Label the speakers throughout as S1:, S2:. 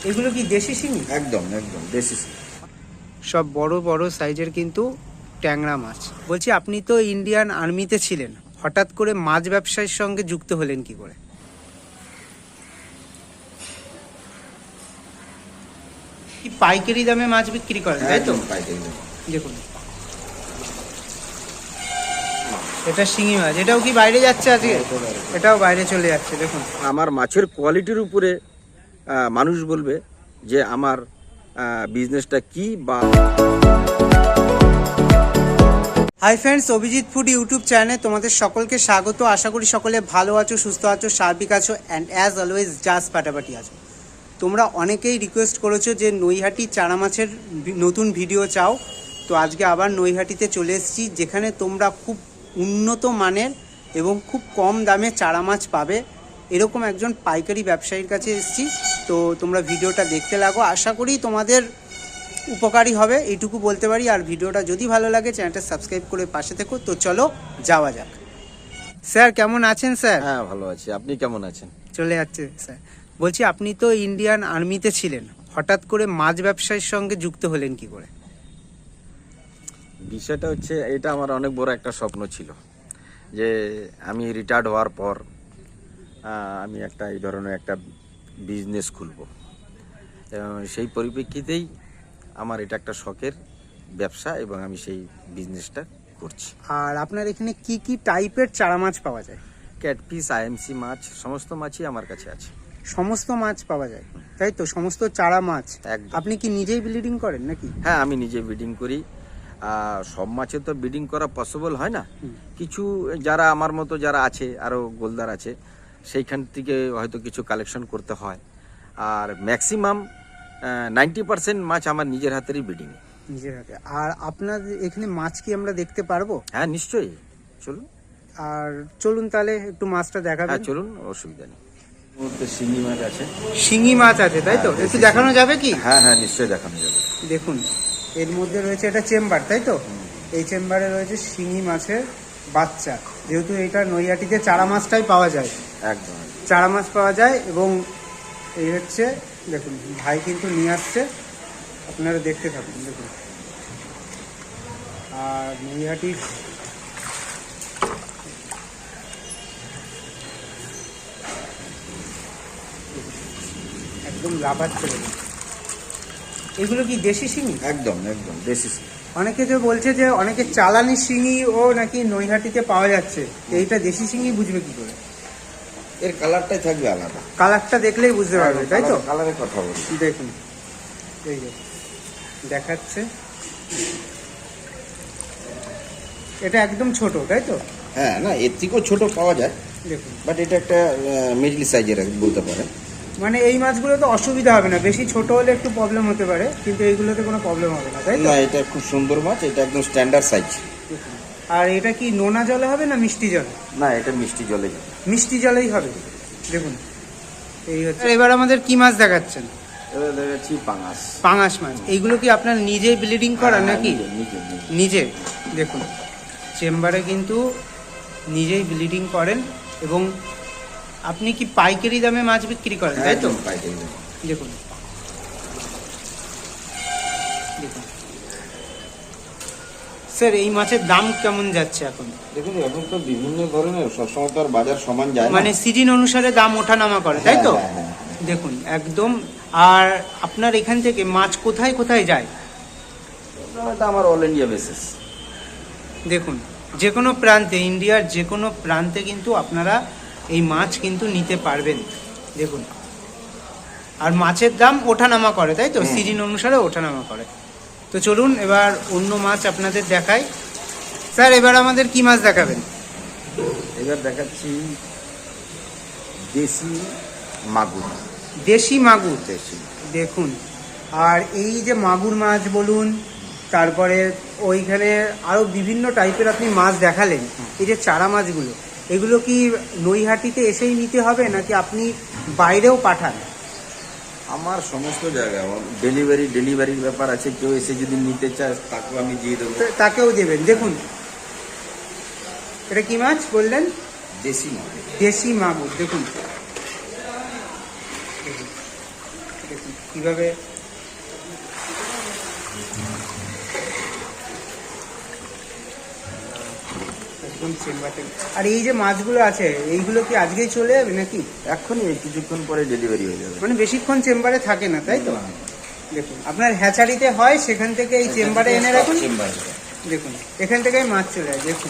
S1: এগুলো কি দেশি শিঙি?
S2: একদম একদম দেশি শিঙি।
S1: সব বড় বড় সাইজের কিন্তু ট্যাংরা মাছ। বলছি, আপনি তো ইন্ডিয়ান আর্মিতে ছিলেন, হঠাৎ করে মাছ ব্যবসার সঙ্গে যুক্ত হলেন কি করে? কি পাইকারি দামে মাছ বিক্রি করেন, তাই তো?
S2: পাইকারি দামে।
S1: দেখুন, এটা শিঙি মাছ। এটাও কি বাইরে যাচ্ছে আজকে? এটাও বাইরে চলে যাচ্ছে। দেখুন,
S2: আমার মাছের কোয়ালিটির উপরে মানুষ বলবে যে আমার বিজনেসটা কি বা।
S1: Hi friends, Abhijit food YouTube চ্যানেলে তোমাদের সকলকে স্বাগত। আশা করি সকলে ভালো আছো, সুস্থ আছো, সার্বিক আছো অ্যান্ড অ্যাজ অলওয়েজ জাস্ট ফাটাফাটি আছো। তোমরা অনেকেই রিকোয়েস্ট করেছো যে নৈহাটি চারা মাছের নতুন ভিডিও চাও। তো আজকে আবার নৈহাটিতে চলে এসেছি, যেখানে তোমরা খুব উন্নত মানের এবং খুব কম দামে চারা মাছ পাবে। এরকম একজন পাইকারি ব্যবসায়ীর কাছে এসেছি। তো তোমরা ভিডিওটা দেখতে লাগো, আশা করি তোমাদের উপকারী হবে, এইটুকু বলতে পারি। আর ভিডিওটা যদি ভালো লাগে চ্যানেলটা সাবস্ক্রাইব করে পাশে থেকো। তো চলো যাওয়া যাক। স্যার কেমন আছেন? স্যার
S2: হ্যাঁ, ভালো আছি। আপনি কেমন আছেন?
S1: চলে যাচ্ছে স্যার। বলছি, আপনি তো ইন্ডিয়ান আর্মিতে ছিলেন, হঠাৎ করে মাছ ব্যবসার সঙ্গে যুক্ত হলেন কি করে?
S2: বিষয়টা হচ্ছে, এটা আমার অনেক বড় একটা স্বপ্ন ছিল যে আমি রিটায়ার্ড হওয়ার পর আমি একটা এই ধরনের একটা বিজনেস খুলব। সেই পরিপ্রেক্ষিতেই আমার এটা একটা শখের ব্যবসা এবং আমি সেই বিজনেসটা করছি।
S1: আর আপনার এখানে কি কি টাইপের চারা মাছ পাওয়া যায়?
S2: ক্যাটফিস, আইএমসি মাছ, সমস্ত মাছই আমার কাছে আছে।
S1: সমস্ত মাছ পাওয়া যায়, তাই তো? সমস্ত চারা মাছ।
S2: একদম।
S1: আপনি কি নিজেই ব্লিডিং করেন নাকি?
S2: হ্যাঁ, আমি নিজে ব্রিডিং করি। সব মাছে তো ব্রিডিং করা পসিবল হয় না। কিছু যারা আমার মতো যারা আছে, আরও গোলদার আছে, সেইখান থেকে হয়তো কিছু কালেকশন করতে হয়। আর ম্যাক্সিমাম 90% মাছ আমার নিজের হাতেরই ব্রিডিং।
S1: নিজের হাতে। আর আপনার এখানে মাছ কি আমরা দেখতে পারবো?
S2: হ্যাঁ, নিশ্চয়ই, চলুন।
S1: আর চলুন তাহলে একটু মাছটা দেখাবেন।
S2: হ্যাঁ চলুন, অসুবিধা নেই। মুহূর্তে শিঙি মাছ আছে।
S1: শিঙি মাছ আছে, তাই তো?
S2: হ্যাঁ,
S1: একটু দেখানো যাবে কি?
S2: হ্যাঁ হ্যাঁ, নিশ্চয়ই দেখানো যাবে।
S1: দেখুন, এর মধ্যে রয়েছে এটা চেম্বার, তাই তো? এই চেম্বারে রয়েছে শিঙি মাছের বাচ্চা। যেহেতু এটা নৈহাটিতে চারা মাছটাই পাওয়া যায়,
S2: একদম।
S1: চারা মাছ পাওয়া যায়। এবং এই হচ্ছে, দেখুন ভাই কিন্তু নিয়ে আসছে, আপনারা দেখতে থাকুন। দেখুন, আর নৈহাটির একদম লাফাচ্ছে। এগুলো কি দেশি শিঙি?
S2: একদম একদম দেশি শিঙি।
S1: অনেকে তো বলছে যে অনেকে চালানি শিঙি ও নাকি নৈহাটিতে পাওয়া যাচ্ছে, এইটা দেশি শিঙি বুঝবে কি করে?
S2: এর কালারটাই থাকবে আলাদা।
S1: কালারটা দেখলেই বুঝতে পারবে, তাই তো?
S2: কালারের কথা বলছি।
S1: দেখুন, এই যে দেখাচ্ছে, এটা একদম ছোট, তাই তো?
S2: হ্যাঁ, না এর থেকেও ছোট পাওয়া যায়,
S1: দেখুন,
S2: বাট এটা একটা মিডল সাইজের বলতে পারে।
S1: মানে এই মাছগুলো তো অসুবিধা হবে না, বেশি ছোট হলে একটু প্রবলেম হতে পারে, কিন্তু এইগুলোতে কোনো প্রবলেম হবে না, তাই তো?
S2: না, এটা খুব সুন্দর মাছ, এটা একদম স্ট্যান্ডার্ড সাইজ।
S1: আর এটা কি নোনা জলে হবে না মিষ্টি জলে?
S2: না, এটা মিষ্টি জলে যাবে।
S1: মিষ্টি জলেই হবে। দেখুন, এই হচ্ছে। এবার আমাদের কি মাছ দেখাচ্ছেন?
S2: এবার দেখাচ্ছি পাঙাশ।
S1: পাঙাশ মাছ। এইগুলো কি আপনার নিজেই ব্লিডিং করা নাকি? নিজে। দেখুন, চেম্বারে কিন্তু নিজেই ব্লিডিং করেন। এবং আপনি কি পাইকারি দামে মাছ বিক্রি করেন, তাই তো? দেখুন, দেখুন স্যার, এই মাছের দাম কেমন যাচ্ছে এখন?
S2: দেখুন, এখন তো বিভিন্ন ধরনের, সবসময় তো আর বাজার সমান যায় না,
S1: মানে সিজন অনুসারে দাম ওঠানামা করে, তাই তো?
S2: হ্যাঁ।
S1: দেখুন একদম। আর আপনার এখান থেকে মাছ কোথায় কোথায় যায়?
S2: এটা আমার অল ইন্ডিয়া বেসিস।
S1: দেখুন, যে কোনো প্রান্তে, ইন্ডিয়ার যে কোনো প্রান্তে কিন্তু আপনারা এই মাছ কিন্তু নিতে পারবেন। দেখুন, আর মাছের দাম ওঠানামা করে, তাই তো? সিজন অনুসারে ওঠানামা করে। তো চলুন এবার অন্য মাছ আপনাদের দেখাই। স্যার, এবার আমাদের কি মাছ দেখাবেন?
S2: এবার দেখাচ্ছি দেশি মাগুর।
S1: দেশি মাগুর।
S2: দেশি।
S1: দেখুন, আর এই যে মাগুর মাছ বলুন, তারপরে ওইখানে আরও বিভিন্ন টাইপের আপনি মাছ দেখালেন, এই যে চারা মাছগুলো, এগুলো কি নৈহাটিতে এসেই নিতে হবে নাকি আপনি বাইরেও পাঠান?
S2: আমার সমস্ত জায়গায় ডেলিভারির ব্যাপার আছে। কেউ এসে যদি নিতে চায় তাকেও আমি দিয়ে দেবো।
S1: তাকেও দেবেন। দেখুন, এটা কি মাছ বললেন?
S2: দেশি মাগুর।
S1: দেশি মাগুর। দেখুন, দেখুন কীভাবে একদম চেম্বারটা। আর এই যে মাছগুলো আছে এইগুলো কি আজকেই চলে যাবে নাকি?
S2: এখনই এই কিছুক্ষণ পরে ডেলিভারি হয়ে যাবে।
S1: মানে বেশিক্ষণ চেম্বারে থাকে না, তাই তো? দেখুন আপনার হ্যাচারিতে হয়, সেখান থেকে এই চেম্বারে এনে রাখুন। দেখুন এখান থেকেই মাছ চলে যায়। দেখুন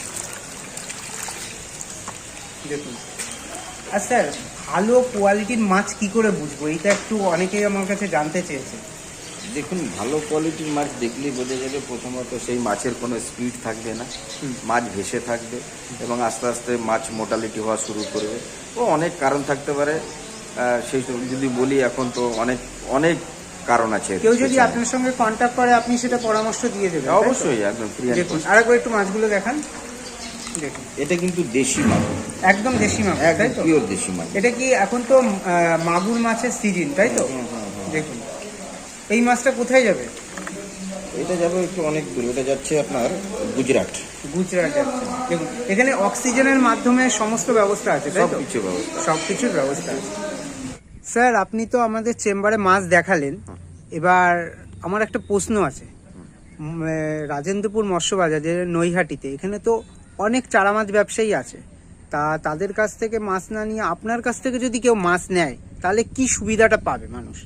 S1: দেখুন। আর স্যার ভালো কোয়ালিটির মাছ কি করে বুঝবো, এটা একটু অনেকেই আমার কাছে জানতে চেয়েছে।
S2: দেখুন, ভালো কোয়ালিটির মাছ দেখলেই বোঝা যাবে প্রথমত সেই মাছের কোনো স্পিড থাকবে না, মাছ ভেসে থাকবে এবং আস্তে আস্তে মাছ মোটালিটি হওয়া শুরু করবে। ও অনেক কারণ থাকতে পারে, সেই সব যদি বলি এখন তো অনেক অনেক কারণ আছে।
S1: কেউ যদি আপনার সঙ্গে কন্ট্যাক্ট করে আপনি সেটা পরামর্শ দিয়ে দেবেন?
S2: অবশ্যই, একদম ফ্রি।
S1: দেখুন আরেকবার একটু মাছগুলো দেখান। দেখুন
S2: এটা কিন্তু দেশি মাছ,
S1: একদম দেশি মাছ, তাই তো?
S2: পিওর দেশি মাছ।
S1: এটা কি এখন তো মাগুর মাছের সিজন, তাই তো? দেখুন এই মাছটা কোথায় যাবে?
S2: এটা যাবে একটু অনেক দূর, এটা যাচ্ছে আপনার গুজরাট।
S1: গুজরাট যাচ্ছে। দেখুন এখানে অক্সিজেনের মাধ্যমে সমস্ত ব্যবস্থা আছে, তাই তো?
S2: সবকিছু ব্যবস্থা,
S1: সবকিছুর ব্যবস্থা আছে। স্যার আপনি তো আমাদের চেম্বারে মাছ দেখালেন, এবার আমার একটা প্রশ্ন আছে। রাজেন্দ্রপুর মৎস্য বাজার যে নৈহাটিতে, এখানে তো অনেক চারা মাছ ব্যবসায়ী আছে, তাদের কাছ থেকে মাছ না নিয়ে আপনার কাছ থেকে যদি কেউ মাছ নেয় তাহলে কি সুবিধাটা পাবে মানুষ?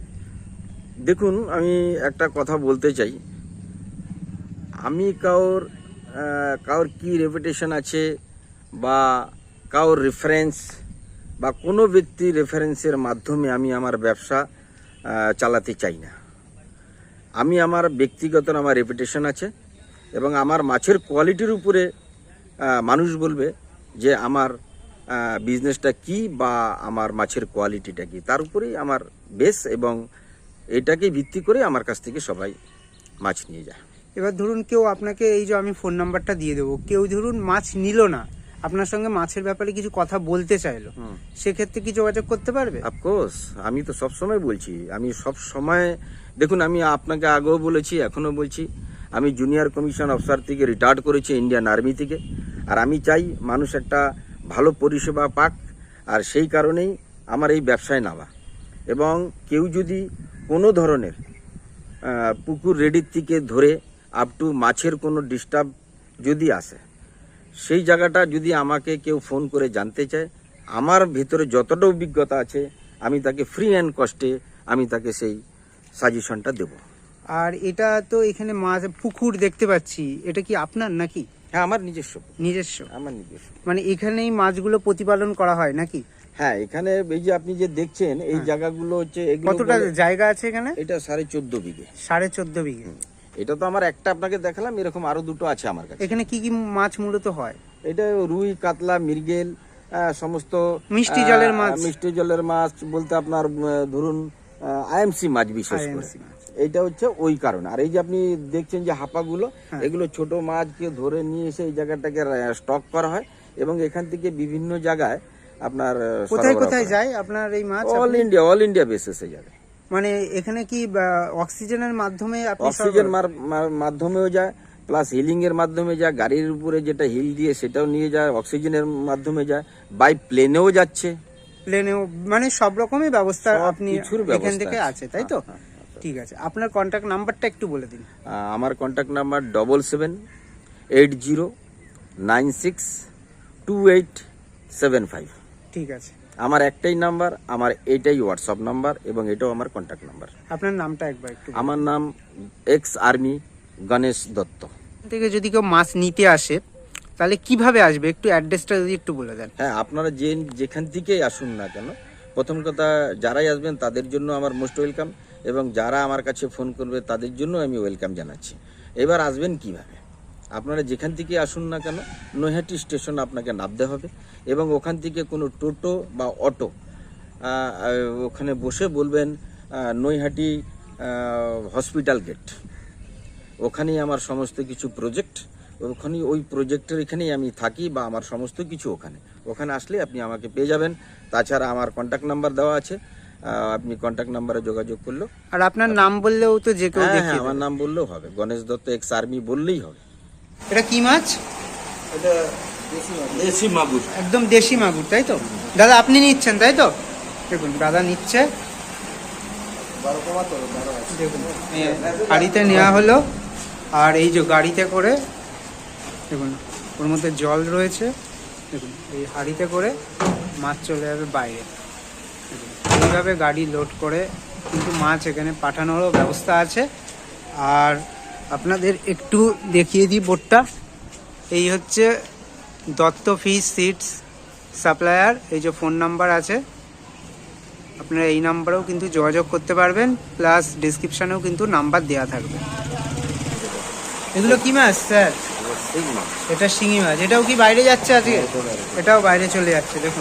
S2: দেখুন, আমি একটা কথা বলতে চাই। আমি কারোর কি রেপুটেশন আছে বা কারোর রেফারেন্স বা কোনো ব্যক্তির রেফারেন্সের মাধ্যমে আমি আমার ব্যবসা চালাতে চাই না। আমি আমার ব্যক্তিগত আমার রেপুটেশন আছে এবং আমার মাছের কোয়ালিটির উপরে মানুষ বলবে যে আমার বিজনেসটা কি বা আমার মাছের কোয়ালিটিটা কি, তার উপরেই আমার বেস এবং এটাকে ভিত্তি করে আমার কাছ থেকে সবাই মাছ নিয়ে যায়।
S1: এবার ধরুন কেউ আপনাকে, এই যে আমি ফোন নাম্বারটা দিয়ে দেবো, কেউ ধরুন মাছ নিল না, আপনার সঙ্গে মাছের ব্যাপারে কিছু কথা বলতে চাইলো, সেক্ষেত্রে কি যোগাযোগ করতে পারবে?
S2: অফকোর্স, আমি তো সব সময় বলছি, আমি সব সময়, দেখুন আমি আপনাকে আগেও বলেছি এখনও বলছি, আমি জুনিয়র কমিশন অফিসার থেকে রিটায়ার্ড করেছি ইন্ডিয়ান আর্মি থেকে। আর আমি চাই মানুষ একটা ভালো পরিষেবা পাক, আর সেই কারণেই আমার এই ব্যবসায় নামা। এবং কেউ যদি কোনো ধরনের পুকুর রেডির থেকে ধরে আপ টু মাছের কোনো ডিস্টার্ব যদি আসে, সেই জায়গাটা যদি আমাকে কেউ ফোন করে জানতে চায়, আমার ভিতরে যতটা অভিজ্ঞতা আছে আমি তাকে ফ্রি অ্যান্ড কস্টে আমি তাকে সেই সাজেশনটা দেব।
S1: আর এটা তো এখানে মাছ পুকুর দেখতে পাচ্ছি, এটা কি আপনার নাকি?
S2: হ্যাঁ, আমার নিজস্ব।
S1: আমার নিজস্ব মানে এখানেই মাছগুলো প্রতিপালন করা হয় নাকি?
S2: হ্যাঁ, এখানে এই যে আপনি যে দেখছেন এই জায়গাগুলো হচ্ছে,
S1: কতটা জায়গা আছে এখানে?
S2: এটা 14.5 বিঘে।
S1: 14.5 বিঘে।
S2: এটা তো আমার একটা আপনাকে দেখালাম, এরকম আরো দুটো আছে আমার কাছে।
S1: এখানে কি কি মাছ মূলত হয়?
S2: এটা রুই, কাতলা, মৃগেল, সমস্ত
S1: মিষ্টি জলের মাছ।
S2: মিষ্টি জলের মাছ বলতে আপনার ধরুন আইএমসি মাছ বিশেষ করে, এইটা হচ্ছে ওই কারণে। আর এই যে আপনি দেখছেন যে হাঁপাগুলো, এগুলো ছোট মাছকে ধরে নিয়ে এসে এই জায়গাটাকে স্টক করা হয় এবং এখান থেকে বিভিন্ন জায়গায় আপনার
S1: কোথায় কোথায় যায় আপনার এই মাছ?
S2: অল ইন্ডিয়া বেসিসে যাবে।
S1: মানে এখানে কি অক্সিজেনের মাধ্যমে?
S2: অক্সিজেন মাধ্যমেও যায়, প্লাস হিলিং এর মাধ্যমে যায়, গাড়ির উপরে যেটা হিল দিয়ে সেটাও নিয়ে যায়, অক্সিজেনের মাধ্যমে যায়, বাই প্লেনেও যাচ্ছে।
S1: প্লেনেও, মানে সব রকমই ব্যবস্থা আপনি এখান থেকে আছে, তাই তো? ঠিক আছে, আপনার কন্ট্যাক্ট নাম্বারটা একটু বলে দিন।
S2: আমার কন্ট্যাক্ট নাম্বার 7780962875।
S1: ঠিক আছে,
S2: আমার একটাই নাম্বার, আমার এটাই হোয়াটসঅ্যাপ নাম্বার এবং এটাও আমার কন্ট্যাক্ট নাম্বার।
S1: আপনার নামটা একবার একটু?
S2: আমার নাম এক্স আর্মি গণেশ দত্ত।
S1: থেকে যদি কেউ মাছ নিতে আসে তাহলে কিভাবে আসবে, একটু অ্যাড্রেসটা যদি একটু বলে দেন।
S2: হ্যাঁ, আপনারা যেখান থেকেই আসুন না কেন, প্রথম কথা যারাই আসবেন তাদের জন্য আমার মোস্ট ওয়েলকাম এবং যারা আমার কাছে ফোন করবে তাদের জন্য আমি ওয়েলকাম জানাচ্ছি। এবার আসবেন কিভাবে, আপনারা যেখান থেকে আসুন না কেন নৈহাটি স্টেশন আপনাকে নামতে হবে এবং ওখান থেকে কোনো টোটো বা অটো ওখানে বসে বলবেন নৈহাটি হসপিটাল গেট, ওখানেই আমার সমস্ত কিছু প্রজেক্ট, ওখানেই ওই প্রজেক্টের এখানেই আমি থাকি বা আমার সমস্ত কিছু ওখানে আসলে আপনি আমাকে পেয়ে যাবেন। তাছাড়া আমার কন্ট্যাক্ট নাম্বার দেওয়া আছে, আপনি কন্ট্যাক্ট নাম্বারে যোগাযোগ করলো।
S1: আর আপনার নাম বললেও তো যে কেউ দেখে?
S2: আমার নাম বললেও হবে, গণেশ দত্ত এক্স আর্মি বললেই হবে।
S1: এটা কি মাছ?
S2: এটা দেশি মাগুর,
S1: একদম দেশি মাগুর, তাই তো? দাদা আপনি নিচ্ছেন, তাই তো? দেখুন দাদা নিচ্ছে। দেখুন হাঁড়িতে নেওয়া হলো, আর এই যে গাড়িতে করে দেখুন ওর মধ্যে জল রয়েছে। দেখুন এই হাঁড়িতে করে মাছ চলে যাবে বাইরে। দেখুন এইভাবে গাড়ি লোড করে কিন্তু মাছ এখানে পাঠানোরও ব্যবস্থা আছে। আর আপনাদের একটু দেখিয়ে দিই বোর্ডটা। এই হচ্ছে দত্ত ফিশ সিডস সাপ্লায়ার। এই যে ফোন নাম্বার আছে, আপনারা এই নাম্বারেও কিন্তু যোগাযোগ করতে পারবেন, প্লাস ডিসক্রিপশানেও কিন্তু নাম্বার দেওয়া থাকবে। এগুলো কি মাছ স্যার? এটা শিঙি মাছ। এটাও কি বাইরে যাচ্ছে আজকে? এটাও বাইরে চলে যাচ্ছে। দেখুন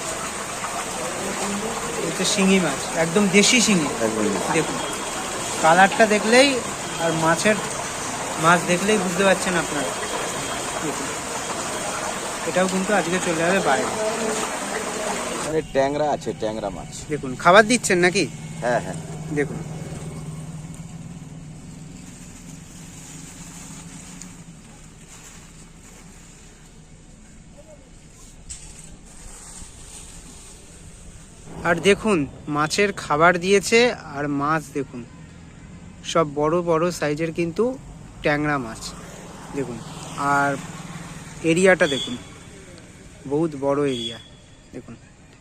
S1: এটা শিঙি মাছ, একদম দেশি শিঙি। দেখুন কালারটা দেখলেই আর মাছ দেখলেই বুঝতে পারছেন আপনারা। দেখুন এটাও কিন্তু আজকে চলে যাবে বাইরে।
S2: ট্যাংরা আছে, ট্যাংরা মাছ।
S1: দেখুন খাবার দিচ্ছেন নাকি?
S2: হ্যাঁ হ্যাঁ।
S1: দেখুন আর দেখুন মাছের খাবার দিয়েছে, আর মাছ দেখুন সব বড় বড় সাইজের কিন্তু ট্যাংরা মাছ। দেখুন আর এরিয়াটা দেখুন, বহুত বড় এরিয়া। দেখুন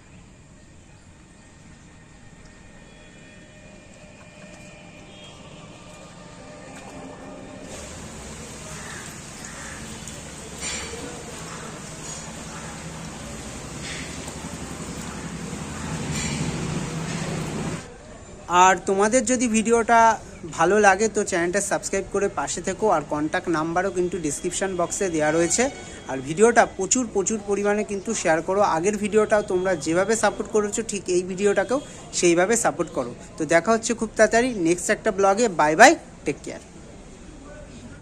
S1: আর তোমাদের যদি ভিডিওটা ভালো লাগে তো চ্যানেলটা সাবস্ক্রাইব করে পাশে থেকো। আর কন্ট্যাক্ট নাম্বারও কিন্তু ডিসক্রিপশান বক্সে দেওয়া রয়েছে। আর ভিডিওটা প্রচুর পরিমাণে কিন্তু শেয়ার করো। আগের ভিডিওটাও তোমরা যেভাবে সাপোর্ট করেছো ঠিক এই ভিডিওটাকেও সেইভাবে সাপোর্ট করো। তো দেখা হচ্ছে খুব তাড়াতাড়ি নেক্সট একটা ব্লগে। Bye bye, take care.